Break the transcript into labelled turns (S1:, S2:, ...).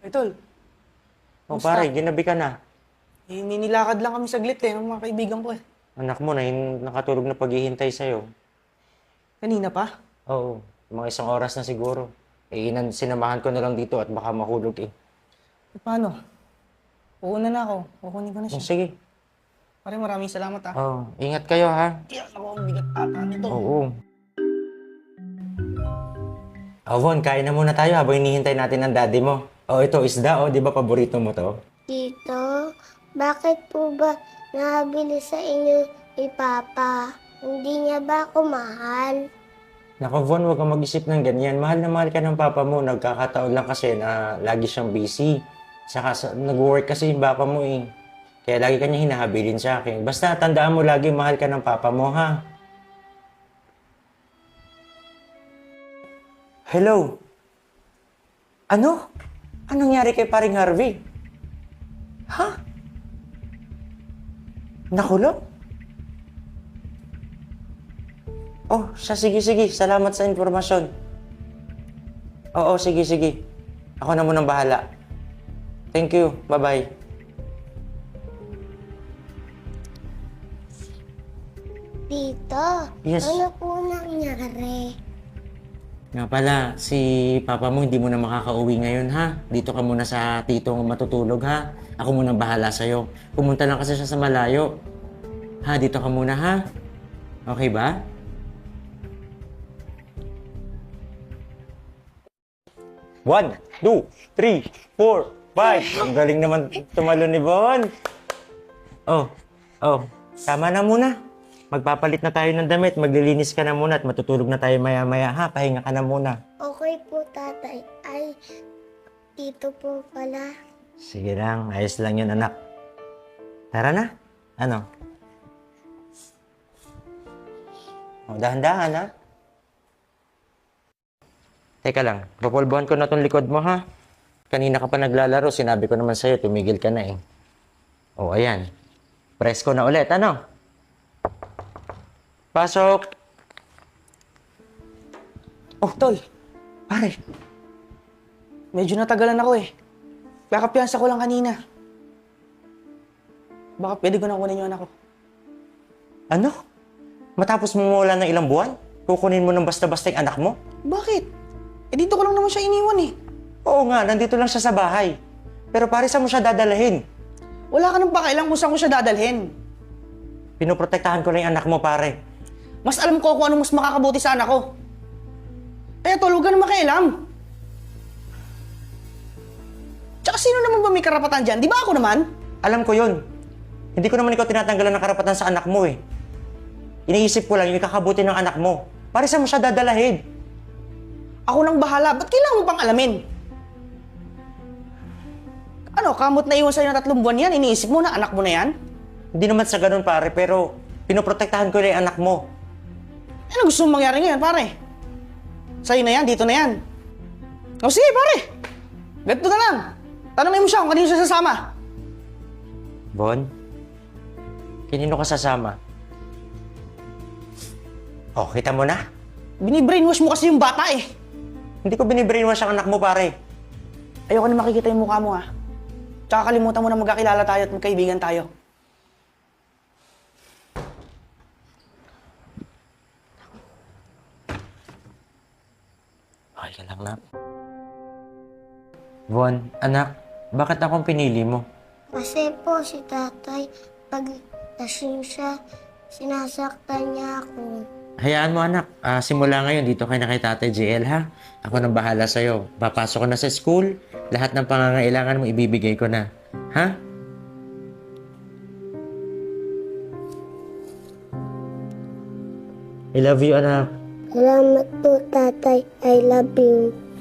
S1: Ay, tol.
S2: O
S1: Kumusta?
S2: pare, ginabi ka na.
S1: Ninilakad lang kami saglit ng mga kaibigan ko eh.
S2: Anak mo na nakatulog na paghihintay sa'yo.
S1: Kanina pa?
S2: Oo, mga isang oras na siguro. Sinamahan ko na lang dito at baka mahulog eh.
S1: E, paano? Uuna na ako. Kukunin ko na
S2: O,
S1: siya.
S2: sige.
S1: Pare, maraming salamat ah.
S2: Oo, ingat kayo ha.
S1: Kaya ako ang bigat ata nito.
S2: Oo. Von, kain na muna tayo habang hinihintay natin ang daddy mo. Oh, ito isda, oh, di ba paborito mo to?
S3: Tito, bakit po ba nabili sa inyo ni Papa? Hindi niya ba ako mahal?
S2: Naku, Von, huwag kang mag-isip ng ganyan. Mahal na mahal ka ng papa mo. Nagkakataon lang kasi na lagi siyang busy. Saka nag-work kasi yung papa mo eh. Kaya lagi kanya hinahabilin sa akin. Basta tandaan mo lagi mahal ka ng papa mo, ha? Hello? Ano? Anong nangyari kay paring Harvey? Ha? Nakulong? Oh, sige. Salamat sa informasyon. Oo, sige. Ako na munang bahala. Thank you. Bye-bye.
S3: Tito,
S2: Yes.
S3: ano po nangyari?
S2: Nga pala, si papa mo hindi mo na makakauwi ngayon, ha? Dito ka muna sa tito mo matutulog, ha? Ako muna bahala sa'yo. Pumunta lang kasi siya sa malayo. Ha, dito ka muna, ha? Okay ba? One, two, three, four, five. Ang galing naman tumalo ni Bon. Oh, tama na muna. Magpapalit na tayo ng damit, maglilinis ka na muna at matutulog na tayo maya-maya, ha? Pahinga ka na muna.
S3: Okay po, tatay. Ay, tito po pala.
S2: Sige lang, ayos lang yun, anak. Tara na. Ano? O, dahan-dahan, ha? Teka lang, papulbuhan ko na tong likod mo, ha? Kanina ka pa naglalaro, sinabi ko naman sa'yo, tumigil ka na eh. O, ayan. Presko na ulit, ano? Pasok!
S1: Oh, tol.
S2: Pare,
S1: Medyo natagalan ako eh. Kakapiyansa ko lang kanina. Baka pwede ko na kunin yung anak ko.
S2: ano? Matapos mo mawala ng ilang buwan? Kukunin mo ng basta-basta yung anak mo?
S1: Bakit? Eh dito ko lang naman siya iniwan eh.
S2: Oo nga, nandito lang siya sa bahay. Pero pare, saan mo siya dadalahin?
S1: Wala ka nang pakailang kung saan ko siya dadalhin.
S2: Pinoprotektahan ko lang yung anak mo, pare.
S1: Mas alam ko kung anong mas makakabuti sa anak ko. Eh, tol, huwag ka naman makialam. Tsaka sino naman ba may karapatan dyan? Di ba ako naman?
S2: Alam ko yun. Hindi ko naman ikaw tinatanggalan ng karapatan sa anak mo eh. Iniisip ko lang yung ikakabuti ng anak mo. Pare, saan mo siya dadalahin?
S1: Ako nang bahala. Ba't kailangan mo pang alamin? Ano, kamot na iwan sa'yo ng 3 buwan yan? Iniisip mo na anak mo na yan?
S2: Hindi naman sa ganun, pare, pero pinoprotektahan ko lang yung anak mo.
S1: Ano gusto mong mangyari ngayon, pare? Sa'yo na yan, dito na yan. O sige, pare. Ganito na lang. Tanongin mo siya kung kanino siya sasama.
S2: Bon, kanino ka sasama? Oh, kita mo na?
S1: Binibrainwash mo kasi yung bata eh.
S2: Hindi ko binibrainwash ang anak mo, pare.
S1: Ayoko na makikita yung mukha mo ha. Tsaka kalimutan mo na magkakilala tayo at magkaibigan tayo.
S2: Okay ka lang, nak. Bon, anak, bakit akong pinili mo?
S3: Kasi po si tatay, pag lasing siya, sinasaktan niya ako.
S2: Hayaan mo, anak. Simula ngayon, dito kayo na kay Tatay JL, ha? Ako nang bahala sa'yo. Papasok ko na sa school. Lahat ng pangangailangan mo, ibibigay ko na. Ha? I love you, anak.
S3: Salamat po, tatay. I love you.